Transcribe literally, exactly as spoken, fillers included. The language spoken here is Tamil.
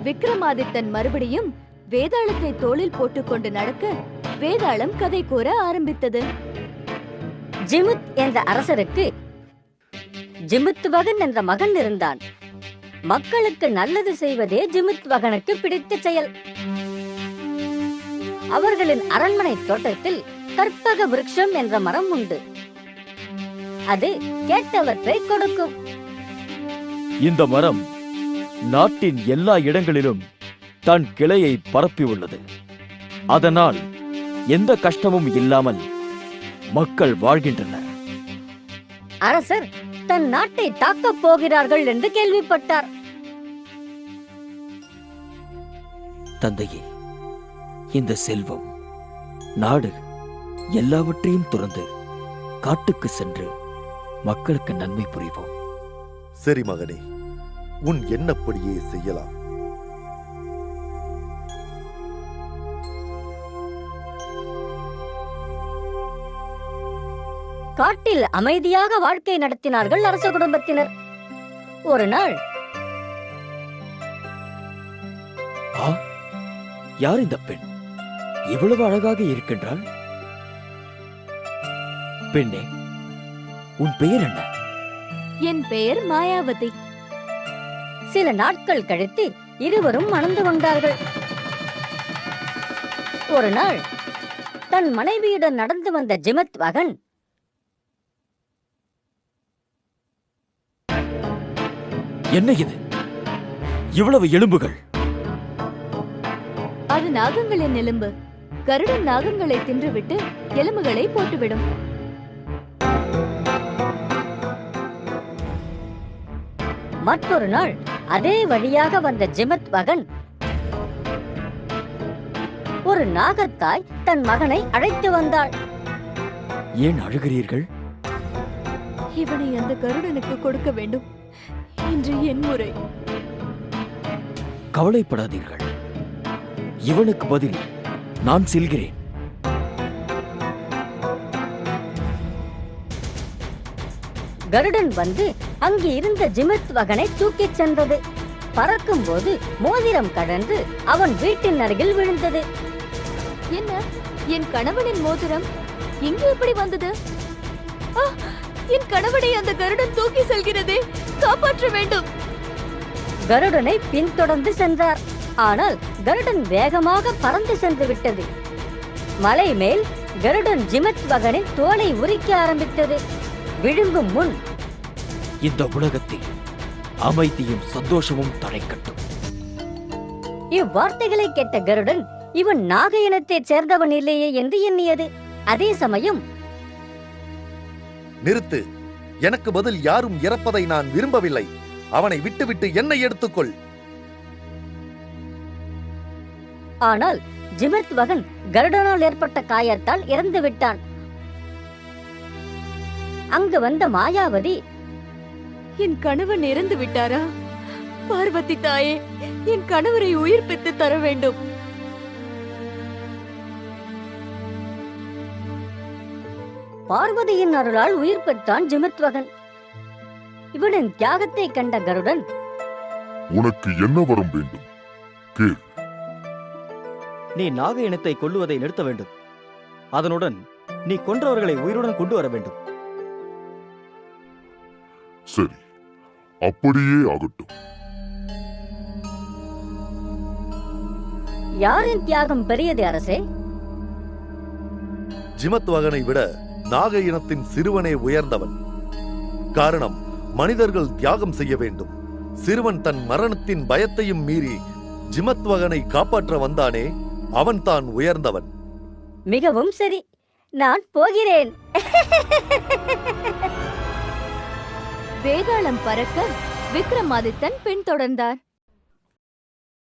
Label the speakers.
Speaker 1: விக்ரமாதித்தன் மறுபடியும் வேதாளத்தை தோளில் போட்டுக்கொண்டு நடக்க வேதாளம் கதை கூற ஆரம்பித்தது.
Speaker 2: ஜிமுத் என்ற அரசருக்கு ஜிமுத்வகன் என்ற மகன் இருந்தான். மக்களுக்கு நல்லது செய்வதே ஜிமுத்வகனுக்கு பிடித்த செயல். அவர்களின் அரண்மனை தோட்டத்தில் கற்பக விருட்சம் என்ற மரம் உண்டு. அது கேட்டவற்றை கொடுக்கும்.
Speaker 3: இந்த மரம் நாட்டின் எல்லா இடங்களிலும் தன் கிளையை பரப்பியுள்ளது. அதனால் எந்த கஷ்டமும் இல்லாமல் மக்கள் வாழ்கின்றனர்.
Speaker 2: அரசர் தன் நாட்டை தாக்கப் போகிறார்கள் என்று கேள்விப்பட்டார்.
Speaker 3: தந்தையே, இந்த செல்வம், நாடு எல்லாவற்றையும் துறந்து காட்டுக்கு சென்று மக்களுக்கு நன்மை புரிவோம்.
Speaker 4: சரி மகனே, உன் எண்ணப்படியே செய்யலாம்.
Speaker 2: காட்டில் அமைதியாக வாழ்க்கை நடத்தினார்கள் அரச குடும்பத்தினர். ஒரு நாள்,
Speaker 3: ஆ, யார் இந்த பெண்? இவ்வளவு அழகாக இருக்கின்றாள். பெண்ணே, உன் பெயர் என்ன?
Speaker 1: என் பெயர் மாயாவதி.
Speaker 2: சில நாட்கள் கழித்து இருவரும் மணந்து கொண்டார்கள். ஒரு நாள் தன் மனைவியுடன் நடந்து வந்த ஜிமுத்வகன்,
Speaker 3: என்ன இது? இவ்வளவு எலும்புகள்?
Speaker 1: அது நாகங்களின் எலும்பு. கருடன் நாகங்களை தின்றுவிட்டு எலும்புகளை போட்டுவிடும்.
Speaker 2: மற்றொரு நாள் அதே வழியாக வந்த ஜிமுத்வகன், ஒரு நாகத்தாய் தன் மகனை அழைத்து வந்தாள்.
Speaker 3: ஏன் அழுகிறீர்கள்?
Speaker 1: இவனை அந்த கருடனுக்கு கொடுக்க வேண்டும். இன்று என் முறை.
Speaker 3: கவலைப்படாதீர்கள், இவனுக்கு பதில் நான் செல்கிறேன்.
Speaker 2: கருடன் வந்து அங்கு இருந்த ஜிமுத்வகனை தூக்கிச் சென்றது. பறக்கும் போது மோதிரம் கடந்து அவன் வீட்டின் அருகில் விழுந்தது.
Speaker 1: என்ன, என் கணவனின் மோதிரம் இங்கு எப்படி வந்தது? என் கணவனை அந்த கருடன் தூக்கி செல்கிறதே, காப்பாற்ற வேண்டும்.
Speaker 2: கருடனை பின்தொடர்ந்து சென்றார். ஆனால் கருடன் வேகமாக பறந்து சென்று விட்டது. மலை மேல் கருடன் ஜிமுத்வகனின் தோலை உரிக்க ஆரம்பித்தது. விழுங்கும் முன்,
Speaker 3: இந்த உலகத்தில் அமைதியும் சந்தோஷமும் தழைக்கட்டும்.
Speaker 2: இவ்வார்த்தைகளை கேட்ட கருடன், இவன் நாக இனத்தைச் சேர்ந்தவன் இல்லையே என்று எண்ணியது. அதே சமயம்,
Speaker 4: நிறுத்து, எனக்கு பதில் யாரும் இறப்பதை நான் விரும்பவில்லை. அவனை விட்டுவிட்டு என்னை எடுத்துக்கொள்.
Speaker 2: ஆனால் ஜிமுத்வகன் கருடனால் ஏற்பட்ட காயத்தால் இறந்து விட்டான். அங்கு வந்த மாயாவதி,
Speaker 1: என் கணவன் இறந்து விட்டாரா? பார்வதி தாயே, என் கணவரை உயிர்ப்பித்து தர வேண்டும்.
Speaker 2: பார்வதியின் அருளால் உயிர் பெற்றான் ஜிமுத்வகன். இவனின் தியாகத்தை கண்ட கருடன்,
Speaker 5: உனக்கு என்ன வரம் வேண்டும்? கேள்.
Speaker 3: நீ நாக இனத்தை கொல்லுவதை நிறுத்த வேண்டும். அதனுடன் நீ கொன்றவர்களை உயிருடன் கொண்டு வர வேண்டும்.
Speaker 5: சரி, அப்படியே ஆகட்டும்.
Speaker 2: யாரின் தியாகம் பெரியது அரசே?
Speaker 4: ஜிமுத்வகனை விட நாக இனத்தின் சிறுவனே உயர்ந்தவன். காரணம், மனிதர்கள் தியாகம் செய்ய வேண்டும். சிறுவன் தன் மரணத்தின் பயத்தையும் மீறி ஜிமுத்வகனை காப்பாற்ற வந்தானே, அவன் தான் உயர்ந்தவன்.
Speaker 2: மிகவும் சரி, நான் போகிறேன்.
Speaker 1: வேதாளம் பறக்க விக்ரமாதித்தன் பின்தொடர்ந்தார்.